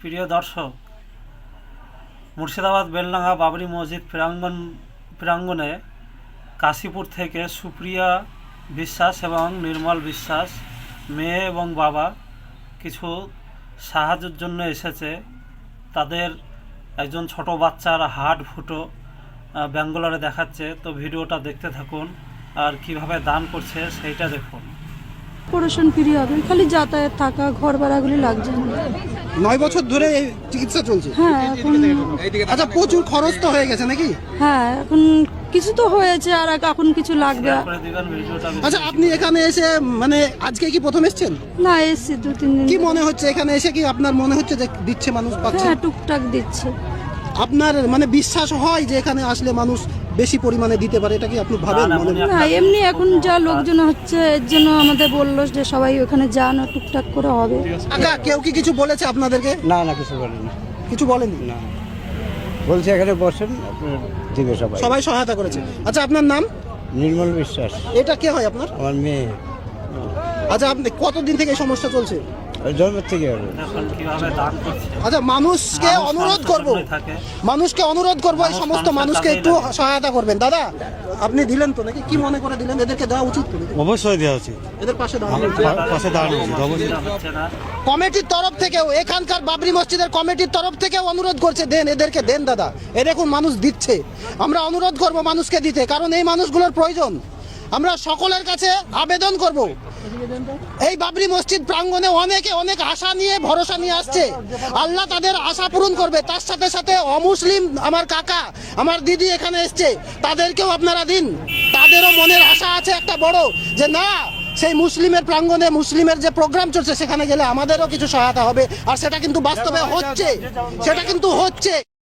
প্রিয় দর্শক, মুর্শিদাবাদ বেলডাঙ্গা বাবরি মসজিদ প্রাঙ্গণে কাশীপুর থেকে সুপ্রিয়া বিশ্বাস এবং নির্মল বিশ্বাস মেয়ে এবং বাবা কিছু সাহায্যের জন্য এসেছে। তাদের একজন ছোট বাচ্চার হাড় ফুটো ব্যাঙ্গালোরে দেখাচ্ছে। তো ভিডিওটা দেখতে থাকুন আর কিভাবে দান করছে সেইটা দেখুন। অপারেশন ফ্রি হবে, খালি যাতায়াত থাকা ঘর ভাড়াগুলি লাগছে না। 9 বছর ধরে এই চিকিৎসা চলছে। হ্যাঁ এখন আচ্ছা, প্রচুর খরচ তো হয়ে গেছে নাকি? হ্যাঁ এখন কিছু তো হয়েছে আর এখন কিছু লাগবে। করে দিবেন ভিডিওটা। আচ্ছা, আপনি এখানে এসে মানে আজকে কি প্রথম এসেছেন? না এসছি 2-3 দিন। কি মনে হচ্ছে এখানে এসে, কি আপনার মনে হচ্ছে যে দিচ্ছে মানুষ পাচ্ছে? হ্যাঁ টুকটাক দিচ্ছে। আপনার মানে বিশ্বাস হয় যে এখানে আসলে মানুষ বেশি পরিমাণে দিতে পারে, এটা কি আপনি ভাবেন? না, মনে না এমনি এখন যা লোকজন হচ্ছে এর জন্য আমাদের বললো যে সবাই ওখানে যান, টুকটাক করে হবে। আচ্ছা, কেউ কি কিছু বলেছে আপনাদেরকে? না না, কিছু বলেনি। কিছু বলেনি? না, বলছে এখানে বসেন, আপনার দিবে সবাই। সবাই সহায়তা করেছে। আচ্ছা, আপনার নাম? নির্মল বিশ্বাস। এটা কে হয় আপনার? আমার মেয়ে। আচ্ছা, আপনি কতদিন থেকে এই সমস্যা চলছে? জন্মের থেকে হবে। দেখুন কিভাবে দান করছে। আচ্ছা, মানুষকে অনুরোধ করব, এই সমস্ত মানুষকে একটু সহায়তা করবেন। দাদা, আপনি দিলেন তো নাকি? কি মনে করে দিলেন? এদেরকে দেওয়া উচিত তো নাকি? অবশ্যই দেওয়া উচিত। এদের পাশে দাঁড়ানো পাশে দাঁড়ানো উচিত অবশ্যই। হচ্ছে না। কমিটির তরফ থেকেও, এখানকার বাবরি মসজিদের কমিটির তরফ থেকেও অনুরোধ করছে, দেন এদেরকে দেন দাদা। এরকম মানুষ দিচ্ছে, আমরা অনুরোধ করব মানুষকে দিতে, কারণ এই মানুষগুলোর প্রয়োজন। আমরা সকলের কাছে আবেদন করব। এই বাবরি মসজিদ প্রাঙ্গণে অনেকে অনেক আশা নিয়ে ভরসা নিয়ে আসছে, আল্লাহ তাদের আশা পূরণ করবে। তার সাথে সাথে অমুসলিম আমার কাকা, আমার দিদি এখানে এসছে, তাদেরকেও আপনারা দিন। তাদেরও মনের আশা আছে একটা বড়, যে না সেই মুসলিমের প্রাঙ্গণে মুসলিমের যে প্রোগ্রাম চলছে সেখানে গেলে আমাদেরও কিছু সহায়তা হবে। আর সেটা কিন্তু বাস্তবে হচ্ছে, সেটা কিন্তু হচ্ছে।